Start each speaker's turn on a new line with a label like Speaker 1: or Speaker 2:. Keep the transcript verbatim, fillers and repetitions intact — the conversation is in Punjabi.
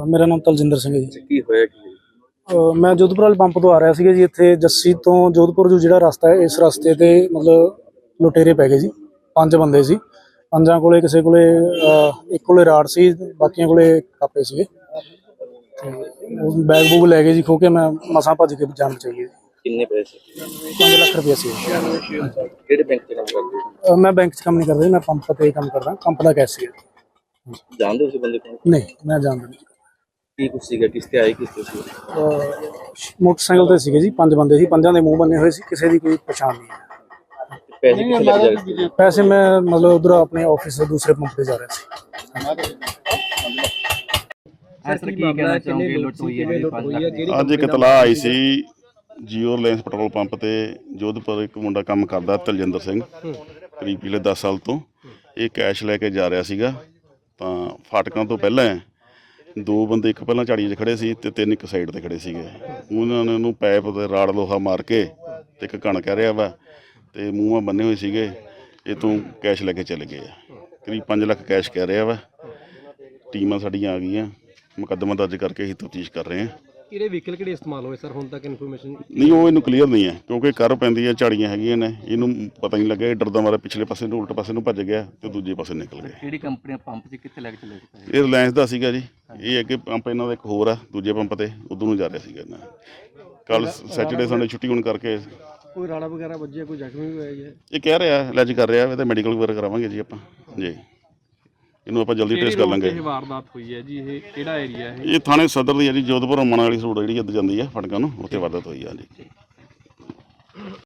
Speaker 1: ਮੇਰਾ ਨਾਮ ਤਲਜਿੰਦਰ ਸਿੰਘ ਹੈ ਜੀ।
Speaker 2: ਕੀ ਹੋਇਆ ਕੀ?
Speaker 1: ਅ, ਮੈਂ ਜੋਧਪੁਰ ਵਾਲੇ ਪੰਪ ਤੋਂ ਆ ਰਿਹਾ ਸੀਗਾ ਜੀ। ਇੱਥੇ ਜੱਸੀ ਤੋਂ ਜੋਧਪੁਰ ਜੋ ਜਿਹੜਾ ਰਸਤਾ ਹੈ, ਇਸ ਰਸਤੇ ਤੇ ਮਤਲਬ ਲੁਟੇਰੇ ਪੈ ਗਏ ਜੀ। ਪੰਜ ਬੰਦੇ ਸੀ, ਪੰਜਾਂ ਕੋਲੇ ਕਿਸੇ ਕੋਲੇ ਅ, ਇੱਕ ਕੋਲੇ ਰਾੜ ਸੀ, ਬਾਕੀਆਂ ਕੋਲੇ ਕਾਪੇ ਸੀਗੇ ਤੇ ਉਹ ਬੈਗ ਬੂਗ ਲੈ ਗਏ ਜੀ ਖੋ ਕੇ। ਮੈਂ ਮਸਾਂ ਭੱਜ ਕੇ ਜਾਨ ਬਚਾਈ ਹੈ।
Speaker 2: ਕਿੰਨੇ ਪੈਸੇ?
Speaker 1: ਪੰਜ ਲੱਖ ਰੁਪਇਆ ਸੀ।
Speaker 2: ਕਿਹੜੇ ਬੈਂਕ 'ਚ ਕੰਮ ਕਰਦੇ ਹੋ?
Speaker 1: ਅ, ਮੈਂ ਬੈਂਕ 'ਚ ਕੰਮ ਨਹੀਂ ਕਰਦਾ ਜੀ, ਮੈਂ ਪੰਪ ਤੇ ਕੰਮ ਕਰਦਾ, ਪੰਪ ਦਾ ਕੈਸ਼ੀਅਰ।
Speaker 2: ਜਾਣਦੇ ਹੋ ਤੁਸੀਂ ਬੰਦੇ ਕੋਲ?
Speaker 1: ਨਹੀਂ, ਮੈਂ ਜਾਣਦਾ ਨਹੀਂ।
Speaker 2: ਕੀ ਕੁਛ ਸੀਗਾ, ਕਿਸ ਤੇ ਆਏ, ਕਿਸ ਤੇ ਸੀ?
Speaker 1: ਅ, ਮੋਟਰਸਾਈਕਲ ਤੇ ਸੀਗੇ ਜੀ, ਪੰਜ ਬੰਦੇ ਸੀ, ਪੰਜਾਂ ਦੇ ਮੂੰਹ ਬੰਨੇ ਹੋਏ ਸੀ, ਕਿਸੇ ਦੀ ਕੋਈ ਪਛਾਣ ਨਹੀਂ ਹੈ।
Speaker 2: ਪੈਸੇ ਕਿੱਥੇ ਲੱਗ ਜਾਏ?
Speaker 1: ਪੈਸੇ ਮੈਂ ਮਤਲਬ ਉਧਰ ਆਪਣੇ ਆਫਿਸ ਦੇ ਦੂਸਰੇ ਪੰਪ ਤੇ ਜਾ ਰਿਹਾ ਸੀ।
Speaker 3: ਅੱਜ ਇੱਕ ਇਤਲਾਹ ਆਈ ਸੀ ਜੀਓ ਰਿਲਾਇੰਸ ਪੈਟਰੋਲ ਪੰਪ ਤੇ ਜੋਧਪੁਰ ਇੱਕ ਮੁੰਡਾ ਕੰਮ ਕਰਦਾ ਤਲਜਿੰਦਰ ਸਿੰਘ, ਕਰੀਬ ਪਿਛਲੇ ਦਸ ਸਾਲ ਤੋਂ। ਇਹ ਕੈਸ਼ ਲੈ ਕੇ ਜਾ ਰਿਹਾ ਸੀਗਾ ਤਾਂ ਫਾਟਕਾਂ ਤੋਂ ਪਹਿਲਾਂ ਦੋ ਬੰਦੇ, ਇੱਕ ਪਹਿਲਾਂ ਝਾੜੀ 'ਚ ਖੜੇ ਸੀ ਤੇ ਤਿੰਨ ਇੱਕ ਸਾਈਡ ਤੇ ਖੜੇ ਸੀਗੇ। ਉਹਨਾਂ ਨੇ ਉਹਨੂੰ ਪੈਪ ਤੇ ਰਾੜ ਲੋਹਾ ਮਾਰ ਕੇ ਤੇ ਇੱਕ ਕਣ ਕਹਿ ਰਿਹਾ ਵਾ ਤੇ ਮੂੰਹਾਂ ਬੰਨੇ ਹੋਏ ਸੀਗੇ। ਇਹ ਤੋਂ ਕੈਸ਼ ਲੈ ਕੇ ਚਲੇ ਗਏ ਆ। ਕਰੀਬ ਪੰਜ ਲੱਖ ਕੈਸ਼ ਕਹਿ ਰਿਹਾ ਵਾ। ਟੀਮਾਂ ਸਾਡੀਆਂ ਆ ਗਈਆਂ, ਮੁਕੱਦਮਾ ਦਰਜ ਕਰਕੇ ਅਸੀਂ ਤਫਤੀਸ਼ ਕਰ ਰਹੇ ਹਾਂ।
Speaker 4: ਕਿਹੜੇ ਵਹੀਕਲ ਕਿਹੜੇ ਇਸਤੇਮਾਲ ਹੋਏ ਸਰ ਹੁਣ ਤੱਕ ਇਨਫੋਰਮੇਸ਼ਨ?
Speaker 3: ਨਹੀਂ, ਉਹ ਇਹਨੂੰ ਕਲੀਅਰ ਨਹੀਂ ਹੈ ਕਿਉਂਕਿ ਕਰ ਪੈਂਦੀ ਹੈ, ਝਾੜੀਆਂ ਹੈਗੀਆਂ ਨੇ, ਇਹਨੂੰ ਪਤਾ ਨਹੀਂ ਲੱਗਿਆ। ਇਹ ਡਰਦਾ ਮਾਰਾ ਪਿਛਲੇ ਪਾਸੇ ਨੂੰ, ਉਲਟ ਪਾਸੇ ਨੂੰ ਭੱਜ ਗਿਆ ਤੇ ਦੂਜੇ ਪਾਸੇ ਨਿਕਲ ਗਿਆ।
Speaker 2: ਕਿਹੜੀ ਕੰਪਨੀ ਪੰਪ 'ਚ ਕਿੱਥੇ ਲੈ ਕੇ ਚਲੇ ਗਏ?
Speaker 3: ਇਹ ਰਿਲਾਇੰਸ ਦਾ ਸੀਗਾ ਜੀ। ਇਹ ਅੱਗੇ ਪੰਪ ਇਹਨਾਂ ਦਾ ਇੱਕ ਹੋਰ ਆ ਦੂਜੇ ਪੰਪ ਤੇ, ਉਧਰ ਨੂੰ ਜਾ ਰਿਹਾ ਸੀਗਾ ਇਹਨਾਂ। ਕੱਲ ਸੈਟਰਡੇ ਸੰਡੇ ਛੁੱਟੀ ਹੋਣ ਕਰਕੇ
Speaker 4: ਕੋਈ ਰਾੜਾ ਵਗੈਰਾ ਵੱਜਿਆ, ਕੋਈ ਜ਼ਖਮੀ ਵੀ ਹੋਇਆ ਜੀ?
Speaker 3: ਇਹ ਕਹਿ ਰਿਹਾ, ਇਲਾਜ ਕਰ ਰਿਹਾ। ਇਹਦਾ ਮੈਡੀਕਲ ਵਗੈਰਾ ਕਰਾਵਾਂਗੇ ਜੀ ਆਪਾਂ ਜੀ। ਇਹਨੂੰ ਆਪਾਂ ਜਲਦੀ ਟ੍ਰੇਸ ਕਰ ਲਾਂਗੇ।
Speaker 4: ਇਹ ਵਾਰਦਾਤ ਹੋਈ ਹੈ ਜੀ, ਇਹ ਕਿਹੜਾ ਏਰੀਆ ਹੈ?
Speaker 3: ਇਹ ਥਾਣੇ ਸਦਰ ਦੀ ਹੈ ਜੀ, ਜੋਧਪੁਰ ਅਮਨ ਵਾਲੀ ਰੋਡ ਜਿਹੜੀ ਇੱਧਰ ਜਾਂਦੀ ਹੈ ਫਟਕਾਂ ਨੂੰ, ਉੱਥੇ ਵਾਰਦਾਤ ਹੋਈ ਆ ਜੀ।